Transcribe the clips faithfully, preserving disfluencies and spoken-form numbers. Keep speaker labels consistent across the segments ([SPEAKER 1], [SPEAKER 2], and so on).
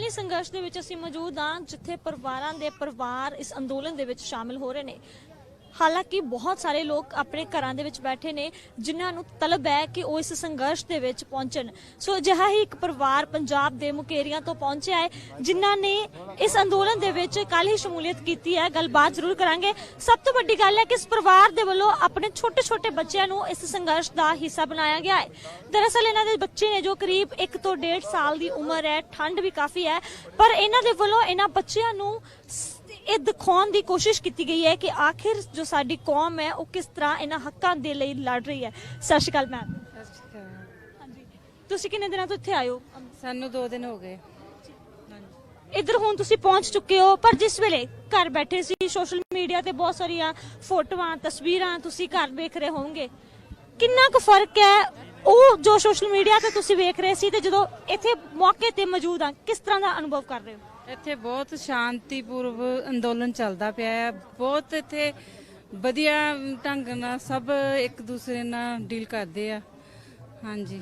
[SPEAKER 1] ही संघर्ष दे विच असीं मौजूद हाँ जिथे परिवारां दे परिवार इस अंदोलन दे विच शामिल हो रहे ने। हालांकि बहुत सारे लोग अपने घरां दे विच बैठे ने जिन्हां नूं तलब है कि वो इस संघर्ष दे विच पहुंचण। सो अजिहा ही एक परिवार पंजाब दे मुकेरियां तो पहुंचिया है जिन्हां ने इस अंदोलन दे विच कल ही शमूलियत कीती है। गलबात जरूर करांगे। सब तो वड्डी गल है कि इस परिवार दे वल्लों अपने छोटे छोटे बच्चों नूं इस संघर्ष का हिस्सा बनाया गया है। दरअसल इन्हां दे बच्चे ने जो करीब एक तो डेढ़ साल की उम्र है, ठंड भी काफ़ी है, पर इन्हां दे वल्लों इन्हां बच्चों नूं ਇਹ ਦਿਖਾਉਣ ਦੀ ਕੋਸ਼ਿਸ਼ ਕੀਤੀ ਗਈ ਹੈ ਕਿ ਆਖਿਰ ਜੋ ਸਾਡੀ ਕੌਮ ਹੈ ਉਹ ਕਿਸ ਤਰ੍ਹਾਂ ਇਹਨਾਂ ਹੱਕਾਂ ਦੇ ਲਈ ਲੜ ਰਹੀ ਹੈ। ਸਤਿ ਸ਼੍ਰੀ ਅਕਾਲ ਮੈਮ।
[SPEAKER 2] ਸਤਿ ਸ਼੍ਰੀ ਅਕਾਲ।
[SPEAKER 1] ਹਾਂਜੀ, ਤੁਸੀਂ ਕਿੰਨੇ ਦਿਨਾਂ ਤੋਂ ਇੱਥੇ ਆਏ ਹੋ?
[SPEAKER 2] ਸਾਨੂੰ ਦੋ ਦਿਨ ਹੋ ਗਏ।
[SPEAKER 1] ਇੱਧਰ ਹੁਣ ਤੁਸੀਂ ਪਹੁੰਚ ਚੁੱਕੇ ਹੋ, ਪਰ ਜਿਸ ਵੇਲੇ ਘਰ ਬੈਠੇ ਸੀ ਸੋਸ਼ਲ ਮੀਡੀਆ ਤੇ ਬਹੁਤ ਸਾਰੀਆਂ ਫੋਟੋਆਂ ਤਸਵੀਰਾਂ ਤੁਸੀਂ ਘਰ ਵੇਖ ਰਹੇ ਹੋਵੋਗੇ। ਕਿੰਨਾ ਕੁ ਫਰਕ ਹੈ ਉਹ ਜੋ ਸੋਸ਼ਲ ਮੀਡੀਆ ਤੇ ਤੁਸੀਂ ਵੇਖ ਰਹੇ ਸੀ ਤੇ ਜਦੋਂ ਇੱਥੇ ਮੌਕੇ ਤੇ ਮੌਜੂਦ ਆ, ਕਿਸ ਤਰ੍ਹਾਂ ਦਾ ਅਨੁਭਵ ਕਰ ਰਹੇ ਹੋ?
[SPEAKER 2] ਇੱਥੇ ਬਹੁਤ ਸ਼ਾਂਤੀਪੂਰਵ ਅੰਦੋਲਨ ਚੱਲਦਾ ਪਿਆ ਹੈ। ਬਹੁਤ ਇੱਥੇ ਵਧੀਆ ਢੰਗ ਨਾਲ ਸਭ ਇੱਕ ਦੂਸਰੇ ਨਾਲ ਡੀਲ ਕਰਦੇ ਆ। ਹਾਂਜੀ,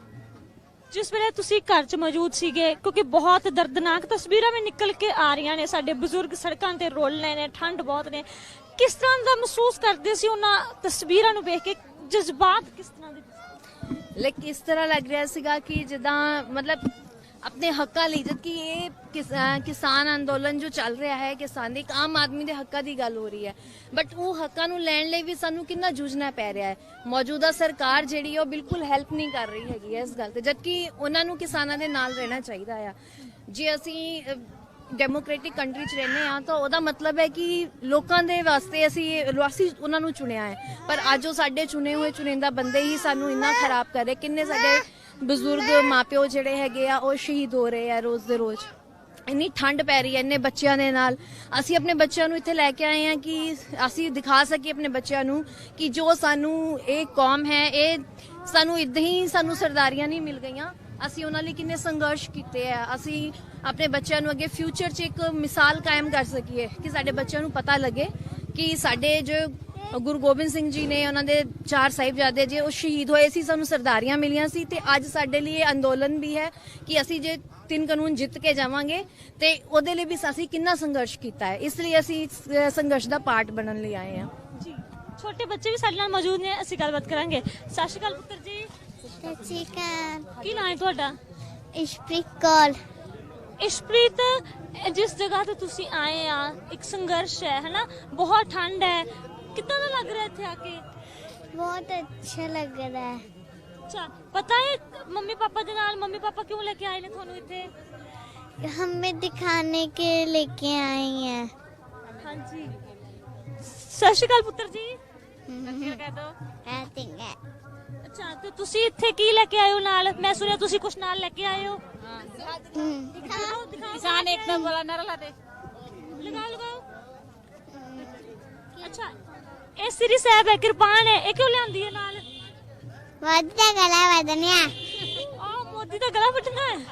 [SPEAKER 1] ਜਿਸ ਵੇਲੇ ਤੁਸੀਂ ਘਰ 'ਚ ਮੌਜੂਦ ਸੀਗੇ, ਕਿਉਂਕਿ ਬਹੁਤ ਦਰਦਨਾਕ ਤਸਵੀਰਾਂ ਵੀ ਨਿਕਲ ਕੇ ਆ ਰਹੀਆਂ ਨੇ, ਸਾਡੇ ਬਜ਼ੁਰਗ ਸੜਕਾਂ ਤੇ ਰੋਲ ਰਹੇ ਨੇ, ਠੰਡ ਬਹੁਤ ਨੇ, ਕਿਸ ਤਰ੍ਹਾਂ ਦਾ ਮਹਿਸੂਸ ਕਰਦੇ ਸੀ ਉਹਨਾਂ ਤਸਵੀਰਾਂ ਨੂੰ ਵੇਖ ਕੇ? ਜਜ਼ਬਾਤ ਕਿਸ ਤਰ੍ਹਾਂ ਦੇ?
[SPEAKER 3] ਲਾਈਕ ਇਸ ਤਰ੍ਹਾਂ ਲੱਗ ਰਿਹਾ ਸੀਗਾ ਕਿ ਜਿੱਦਾਂ ਮਤਲਬ अपने हक्का ਲਈ जबकि ये किस, किसान अंदोलन जो चल रहा है, किसान एक आम आदमी ਦੇ ਹੱਕਾਂ ਦੀ ਗੱਲ ਹੋ ਰਹੀ ਹੈ, ਬਟ ਉਹ ਹੱਕਾਂ ਨੂੰ ਲੈਣ ਲਈ ਵੀ ਸਾਨੂੰ ਕਿੰਨਾ ਜੂਝਣਾ ਪੈ ਰਿਹਾ ਹੈ। ਮੌਜੂਦਾ ਸਰਕਾਰ ਜਿਹੜੀ ਉਹ ਬਿਲਕੁਲ ਹੈਲਪ ਨਹੀਂ ਕਰ ਰਹੀ ਹੈਗੀ ਇਸ ਗੱਲ ਤੇ, ਜਦਕਿ ਉਹਨਾਂ ਨੂੰ ਕਿਸਾਨਾਂ ਦੇ ਨਾਲ ਰਹਿਣਾ ਚਾਹੀਦਾ ਆ। ਜੇ ਅਸੀਂ ਡੈਮੋਕ੍ਰੈਟਿਕ ਕੰਟਰੀ 'ਚ ਰਹਿੰਦੇ ਹਾਂ ਤਾਂ ਉਹਦਾ ਮਤਲਬ ਹੈ ਕਿ ਲੋਕਾਂ ਦੇ ਵਾਸਤੇ ਅਸੀਂ ਅਸੀਂ ਉਹਨਾਂ ਨੂੰ ਚੁਣਿਆ ਹੈ, ਪਰ ਅੱਜ ਉਹ ਸਾਡੇ ਚੁਣੇ ਹੋਏ ਚੁਣਿੰਦਾ ਬੰਦੇ ਹੀ ਸਾਨੂੰ ਇੰਨਾ ਖਰਾਬ ਕਰ ਰਹੇ। ਕਿੰਨੇ ਸਾਡੇ ਬਜ਼ੁਰਗ ਮਾਪਿਓ ਜਿਹੜੇ ਹੈਗੇ ਆ ਉਹ ਸ਼ਹੀਦ ਹੋ ਰਹੇ ਆ ਰੋਜ਼ ਦੇ ਰੋਜ਼। ਇੰਨੀ ਠੰਡ ਪੈ ਰਹੀ ਹੈ ਇੰਨੇ ਬੱਚਿਆਂ ਦੇ ਨਾਲ। ਅਸੀਂ ਆਪਣੇ ਬੱਚਿਆਂ ਨੂੰ ਇੱਥੇ ਲੈ ਕੇ ਆਏ ਹਾਂ ਕਿ ਅਸੀਂ ਦਿਖਾ ਸਕੀਏ ਆਪਣੇ ਬੱਚਿਆਂ ਨੂੰ ਕਿ ਜੋ ਸਾਨੂੰ ਇਹ ਕੌਮ ਹੈ, ਇਹ ਸਾਨੂੰ ਇੱਦਾਂ ਹੀ ਸਾਨੂੰ ਸਰਦਾਰੀਆਂ ਨਹੀਂ ਮਿਲ ਗਈਆਂ। ਅਸੀਂ ਉਹਨਾਂ ਲਈ ਕਿੰਨੇ ਸੰਘਰਸ਼ ਕੀਤੇ ਆ। ਅਸੀਂ ਆਪਣੇ ਬੱਚਿਆਂ ਨੂੰ ਅੱਗੇ ਫਿਊਚਰ 'ਚ ਇੱਕ ਮਿਸਾਲ ਕਾਇਮ ਕਰ ਸਕੀਏ ਕਿ ਸਾਡੇ ਬੱਚਿਆਂ ਨੂੰ ਪਤਾ ਲੱਗੇ ਕਿ ਸਾਡੇ ਜੋ ਗੁਰੂ ਗੋਬਿੰਦ ਸਿੰਘ ਜੀ ਨੇ, ਉਹਨਾਂ ਦੇ ਚਾਰ ਸਾਹਿਬਜ਼ਾਦੇ ਜੇ ਉਹ ਸ਼ਹੀਦ ਹੋਏ ਸੀ, ਸਾਨੂੰ ਸਰਦਾਰੀਆਂ ਮਿਲੀਆਂ ਸੀ, ਤੇ ਅੱਜ ਸਾਡੇ ਲਈ ਇਹ ਅੰਦੋਲਨ ਵੀ ਹੈ ਕਿ ਅਸੀਂ ਜੇ ਤਿੰਨ ਕਾਨੂੰਨ ਜਿੱਤ ਕੇ ਜਾਵਾਂਗੇ ਤੇ ਉਹਦੇ ਲਈ ਵੀ ਅਸੀਂ ਕਿੰਨਾ ਸੰਘਰਸ਼ ਕੀਤਾ ਹੈ। ਇਸ ਲਈ ਅਸੀਂ ਸੰਘਰਸ਼ ਦਾ ਪਾਰਟ ਬਣਨ ਲਈ ਆਏ ਹਾਂ।
[SPEAKER 1] ਜੀ, ਛੋਟੇ ਬੱਚੇ ਵੀ ਸਾਡੇ ਨਾਲ ਮੌਜੂਦ ਨੇ, ਅਸੀਂ ਗੱਲਬਾਤ ਕਰਾਂਗੇ। ਸਤਿ ਸ਼੍ਰੀ ਅਕਾਲ ਪੁੱਤਰ ਜੀ।
[SPEAKER 4] ਸਤਿ ਸ਼੍ਰੀ ਅਕਾਲ।
[SPEAKER 1] ਕੀ ਨਾਂ ਹੈ ਤੁਹਾਡਾ?
[SPEAKER 4] ਇਸ਼ਪ੍ਰੀਤ ਕੌਰ।
[SPEAKER 1] ਇਸ਼ਪ੍ਰੀਤ, ਜਿਸ ਜਗ੍ਹਾ ਤੇ ਤੁਸੀਂ ਆਏ ਆ ਇੱਕ ਸੰਘਰਸ਼ ਹੈ ਹਨਾ, ਬਹੁਤ ਠੰਡ ਹੈ, ਕਿੱਦਾਂ ਦਾ ਲੱਗ ਰਿਹਾ ਇੱਥੇ ਆके?
[SPEAKER 4] बहुत अच्छा लग रहा है।
[SPEAKER 1] अच्छा, पता है मम्मी पापा के नाल मम्मी पापा क्यों लेके आए ने थानू इत्थे?
[SPEAKER 4] हमें दिखाने के लेके आए हैं।
[SPEAKER 1] हाँ जी। सत श्री अकाल पुत्र जी। कह दो। अच्छा, तो तुसी इत्थे की लेके आए हो नाल? मैं सुनिया तुसी कुछ नाल लेके आए हो। दिखाओ दिखाओ। किसान एक नंबर वाला नारा ला दे। लगाओ लगाओ। अच्छा, ਇਹ ਸ੍ਰੀ ਸਾਹਿਬ ਹੈ, ਕਿਰਪਾਨ ਹੈ, ਇਹ ਕਿਉਂ ਲਿਆਂਦੀ ਹੈ ਨਾਲ?
[SPEAKER 4] ਮੋਦੀ ਦਾ ਗਲਾ ਵੱਢਣਾ।
[SPEAKER 1] ਆ ਮੋਦੀ ਦਾ ਗਲਾ ਵੱਢਣਾ ਹੈ।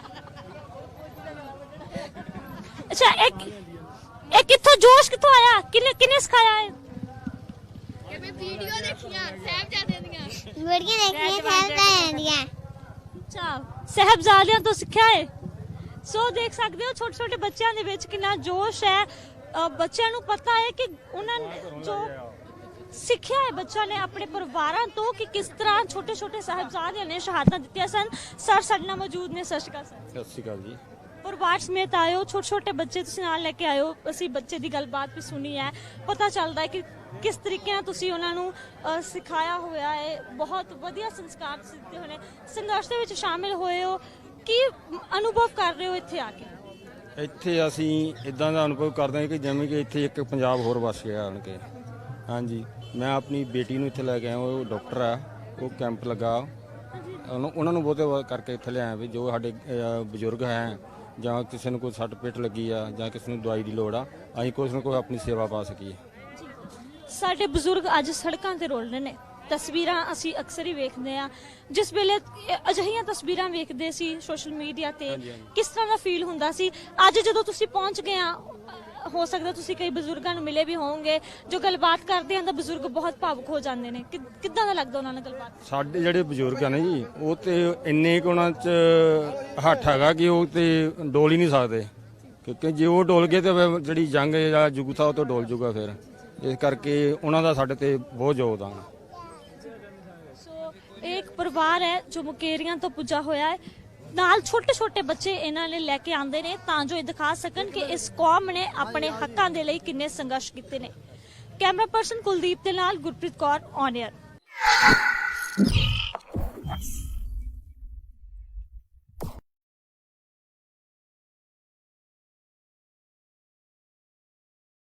[SPEAKER 1] ਅੱਛਾ, ਇੱਕ ਇਹ ਕਿੱਥੋਂ ਜੋਸ਼ ਕਿੱਥੋਂ ਆਇਆ? ਕਿੰਨੇ ਕਿੰਨੇ ਸਿਖਾਇਆ ਹੈ?
[SPEAKER 3] ਕਿ ਮੈਂ ਵੀਡੀਓ ਦੇਖੀਆਂ ਸਾਹਿਬਜ਼ਾਦਿਆਂ ਦੀਆਂ।
[SPEAKER 4] ਵੀਡੀਓ ਦੇਖੀਆਂ ਸਾਹਿਬਜ਼ਾਦਿਆਂ ਦੀਆਂ।
[SPEAKER 1] ਅੱਛਾ, ਸਾਹਿਬਜ਼ਾਦਿਆਂ ਤੋਂ ਸਿੱਖਿਆ ਹੈ। ਸੋ ਦੇਖ ਸਕਦੇ ਹੋ ਛੋਟੇ ਛੋਟੇ ਬੱਚਿਆਂ ਦੇ ਵਿੱਚ ਕਿੰਨਾ ਜੋਸ਼ ਹੈ। ਬੱਚਿਆਂ ਨੂੰ ਪਤਾ ਹੈ ਕਿ ਉਹਨਾਂ ਜੋ ਸਿੱਖਿਆ ਹੈ ਬੱਚਿਆਂ ਨੇ ਆਪਣੇ ਪਰਿਵਾਰਾਂ ਤੋਂ ਕਿ ਕਿਸ ਤਰ੍ਹਾਂ ਛੋਟੇ ਛੋਟੇ ਸਾਹਿਬਜ਼ਾਦਿਆਂ ਨੇ ਸ਼ਹਾਦਤਾਂ ਦਿੱਤੀਆਂ ਸਨ। ਸਰ ਸਾਡੇ ਨਾਲ ਮੌਜੂਦ ਨੇ। ਸਤਿ ਸ਼੍ਰੀ ਅਕਾਲ ਸਰ।
[SPEAKER 5] ਸਤਿ ਸ਼੍ਰੀ ਅਕਾਲ ਜੀ।
[SPEAKER 1] ਪਰਿਵਾਰ ਸਮੇਤ ਆਏ ਹੋ, ਛੋਟੇ ਛੋਟੇ ਬੱਚੇ ਤੁਸੀਂ ਨਾਲ ਲੈ ਕੇ ਆਏ ਹੋ। ਅਸੀਂ ਬੱਚੇ ਦੀ ਗੱਲਬਾਤ ਵੀ ਸੁਣੀ ਹੈ, ਪਤਾ ਚੱਲਦਾ ਹੈ ਕਿ ਕਿਸ ਤਰੀਕੇ ਨਾਲ ਤੁਸੀਂ ਉਹਨਾਂ ਨੂੰ ਸਿਖਾਇਆ ਹੋਇਆ ਹੈ। ਬਹੁਤ ਵਧੀਆ ਸੰਸਕਾਰ ਦਿੱਤੇ ਹੋਏ ਨੇ, ਸੰਘਰਸ਼ ਦੇ ਵਿੱਚ ਸ਼ਾਮਿਲ ਹੋਏ ਹੋ। ਕੀ ਅਨੁਭਵ ਕਰ ਰਹੇ ਹੋ ਇੱਥੇ ਆ ਕੇ?
[SPEAKER 5] ਇੱਥੇ ਅਸੀਂ ਇਦਾਂ ਦਾ ਅਨੁਭਵ ਕਰਦੇ ਹਾਂ ਕਿ ਜਿਵੇਂ ਕਿ ਇੱਥੇ ਇੱਕ ਪੰਜਾਬ ਹੋਰ ਵਸ ਗਿਆ ਆਣ ਕੇ। ਹਾਂਜੀ, ਮੈਂ ਆਪਣੀ ਬੇਟੀ ਨੂੰ ਇੱਥੇ ਲੈ ਕੇ ਆਇਆ, ਉਹ ਡਾਕਟਰ ਆ, ਉਹ ਕੈਂਪ ਲੱਗਾ, ਉਹਨੂੰ ਉਹਨਾਂ ਨੂੰ ਬਹੁਤੇ ਕਰਕੇ ਇੱਥੇ ਲਿਆਇਆ ਵੀ ਜੋ ਸਾਡੇ ਬਜ਼ੁਰਗ ਹੈ ਜਾਂ ਕਿਸੇ ਨੂੰ ਕੋਈ ਸੱਟ ਪਿੱਟ ਲੱਗੀ ਆ ਜਾਂ ਕਿਸੇ ਨੂੰ ਦਵਾਈ ਦੀ ਲੋੜ ਆ, ਅਸੀਂ ਕੁਛ ਨਾ ਕੋਈ ਆਪਣੀ ਸੇਵਾ ਪਾ ਸਕੀਏ।
[SPEAKER 1] ਸਾਡੇ ਬਜ਼ੁਰਗ ਅੱਜ ਸੜਕਾਂ ਤੇ ਰੋਲ ਰਹੇ ਨੇ। ਤਸਵੀਰਾਂ ਅਸੀਂ ਅਕਸਰ ਹੀ ਵੇਖਦੇ ਆ, ਜਿਸ ਵੇਲੇ ਅਜਿਹੀਆਂ ਤਸਵੀਰਾਂ ਵੇਖਦੇ ਸੀ ਸੋਸ਼ਲ ਮੀਡੀਆ ਤੇ, ਕਿਸ ਤਰ੍ਹਾਂ ਦਾ ਫੀਲ ਹੁੰਦਾ ਸੀ। ਅੱਜ ਜਦੋਂ ਤੁਸੀਂ ਪਹੁੰਚ ਗਏ ਆ, ਹੋ ਸਕਦਾ ਤੁਸੀਂ ਕਈ ਬਜ਼ੁਰਗਾਂ ਨੂੰ ਮਿਲੇ ਵੀ ਹੋਵੋਗੇ, ਜੋ ਗੱਲਬਾਤ ਕਰਦੇ ਹਨ ਤਾਂ ਬਜ਼ੁਰਗ ਬਹੁਤ ਭਾਵੁਕ ਹੋ ਜਾਂਦੇ ਨੇ। ਕਿ- ਕਿੱਦਾਂ ਦਾ ਲੱਗਦਾ ਉਹਨਾਂ ਨਾਲ ਗੱਲਬਾਤ?
[SPEAKER 5] ਸਾਡੇ ਜਿਹੜੇ ਬਜ਼ੁਰਗ ਆ ਨੇ ਜੀ, ਉਹ ਤੇ ਇੰਨੇ ਕੁ ਉਹਨਾਂ 'ਚ ਹੱਠ ਹੈਗਾ ਕਿ ਉਹ ਤੇ ਡੋਲ ਹੀ ਨਹੀਂ ਸਕਦੇ, ਕਿਉਂਕਿ ਜੇ ਉਹ ਡੋਲ ਗਏ ਤੇ ਫਿਰ ਜਿਹੜੀ ਜੰਗ ਜਾਂ ਯੁੱਗ ਥਾ ਉਹ ਤੋਂ ਡੋਲ ਜੂਗਾ। ਫਿਰ ਇਸ ਕਰਕੇ ਉਹਨਾਂ ਦਾ ਸਾਡੇ ਤੇ ਬਹੁਤ ਯੋਗਦਾਨ ਆ।
[SPEAKER 1] ਸੋ ਇਹ ਇੱਕ ਪਰਿਵਾਰ ਹੈ ਜੋ ਮੁਕੇਰੀਆਂ ਤੋਂ ਪੁੱਜਾ ਹੋਇਆ ਹੈ, ਨਾਲ ਛੋਟੇ ਛੋਟੇ ਬੱਚੇ ਇਹਨਾਂ ਨੇ ਲੈ ਕੇ ਆਉਂਦੇ ਨੇ ਤਾਂ ਜੋ ਇਹ ਦਿਖਾ ਸਕਣ ਕਿ ਇਸ ਕੌਮ ਨੇ ਆਪਣੇ ਹੱਕਾਂ ਦੇ ਲਈ ਕਿੰਨੇ ਸੰਘਰਸ਼ ਕੀਤੇ ਨੇ। ਕੈਮਰਾ ਪਰਸਨ ਕੁਲਦੀਪ ਦੇ ਨਾਲ ਗੁਰਪ੍ਰੀਤ ਕੌਰ, ਔਨ 에ਅਰ।